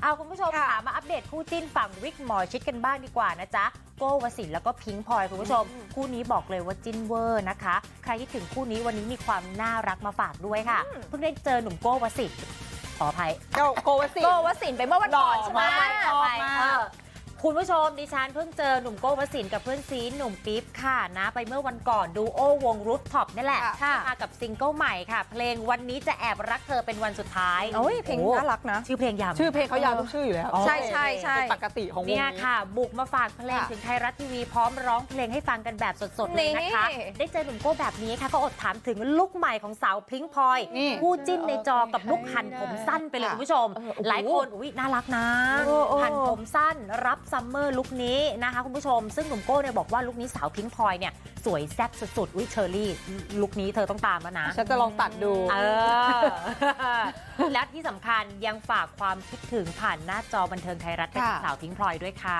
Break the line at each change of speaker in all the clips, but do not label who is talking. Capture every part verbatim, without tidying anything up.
เอาคุณผู้ชมค่ะมาอัปเดตคู่จิ้นฝั่งวิกหมอชิดกันบ้างดีกว่านะจ๊ะโก้วสินทร์แล้วก็พิงค์พลอยคุณผู้ชมคู่นี้บอกเลยว่าจิ้นเวอร์นะคะใครที่ถึงคู่นี้วันนี้มีความน่ารักมาฝากด้วยค่ะเพิ่งได้เจอหนุ่มโก้วสินทร์ขออภัย
โกวสิน
โกวสินทร์ไปเมื่อวันก่อนใช่ไหม
ชอบมาก
เออคุณผู้ชมดิฉันเพิ่งเจอหนุ่มโก้วสินทร์กับเพื่อนซีหนุ่มปิ๊บค่ะนะไปเมื่อวันก่อนดูโอวงรูฟท็อปนี่แหละ
ค่ะ
มากับซิงเกิลใหม่ค่ะ เพลงวันนี้จะแอบรักเธอเป็นวันสุดท้าย
โอ้ยเพลง
โอ้
น่ารักนะ
ชื่อเพลงยาว
ชื่อเพลงเขายาวทุกชื่ออยู่แล้ว
ใช่ใช่ใช่
เป็นปกติของวง
เนี่ย
นี้
ค่ะ บุกมาฝากเพลง
ค่ะ
ถึงไทยรัฐทีวีพร้อมร้องเพลงให้ฟังกันแบบสดๆเลยนะคะ
นี่
ได้เจอหนุ่มโก้แบบนี้ค่ะก็อดถามถึงลุคใหม่ของสาวพิงค์พลอย
นี่
คู่จิ้นในจอกับลุคหั่นผมสั้นไปเลย
ค่ะ
คุณผู้ชม
เออโอ้โห
หลายคนอุ้ยน่ารักนะ
โอ้โอ้
หั่นผมสั้นรับซัมเมอร์ลุคนี้นะคะคุณผู้ชมซึ่งหนุ่มโก้เนี่ยบอกว่าลุคนี้สาวพิงค์พลอยเนี่ยสวยแซ่บสุดๆอุ้ยเชอรี่ลุคนี้เธอต้องตามแล้วนะ
ฉันจะลองตัดดู
เออ และที่สำคัญยังฝากความคิดถึงผ่านหน้าจอบันเทิงไทยรัฐไปถึง
ค่ะ
สาวพิงค์พลอยด้วยค่ะ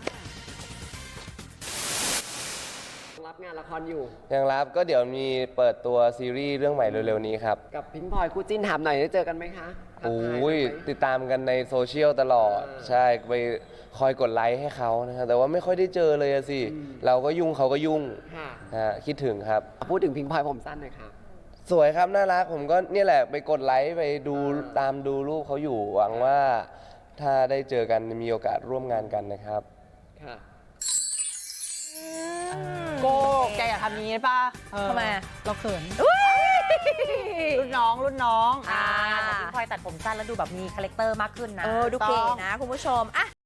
รับงานละครอยู่
ยังรับก็เดี๋ยวมีเปิดตัวซีรีส์เรื่องใหม่เร็วๆนี้ครับ
กับพิงพลอยคู่จิ้นถามหน่อยได้เจอกันไหมคะทัก
โอ้
ทาย
ย
กันไหม
ติดตามกันในโซเชียลตลอด
อ่า
ใช่ไปคอยกดไลค์ให้เขานะครับแต่ว่าไม่ค่อยได้เจอเลยอะสิ
อืม
เราก็ยุ่งเขาก็ยุ่ง
ค่ะ
ฮะคิดถึงครับ
พูดถึงพิงพลอยผมสั้นหน่อยค่ะ
สวยครับน่ารักผมก็เนี่ยแหละไปกดไลค์ไปดูตามดูรูปเขาอยู่หวังว่า ถ้าได้เจอกันมีโอกาสร่วมงานกันนะครับ
ค่ะ
โก้แกอยากทำอย่างนี้ป่ะเออ
ทำไม
เราเขินรุ่นน้องรุ่นน้อง
อ่าแต่พิงค์พลอยตัดผมสั้นแล้วดูแบบมีคาแรคเตอร์มากขึ้นนะ
เออดูเก๋นะคุณผู้ชมอ่ะ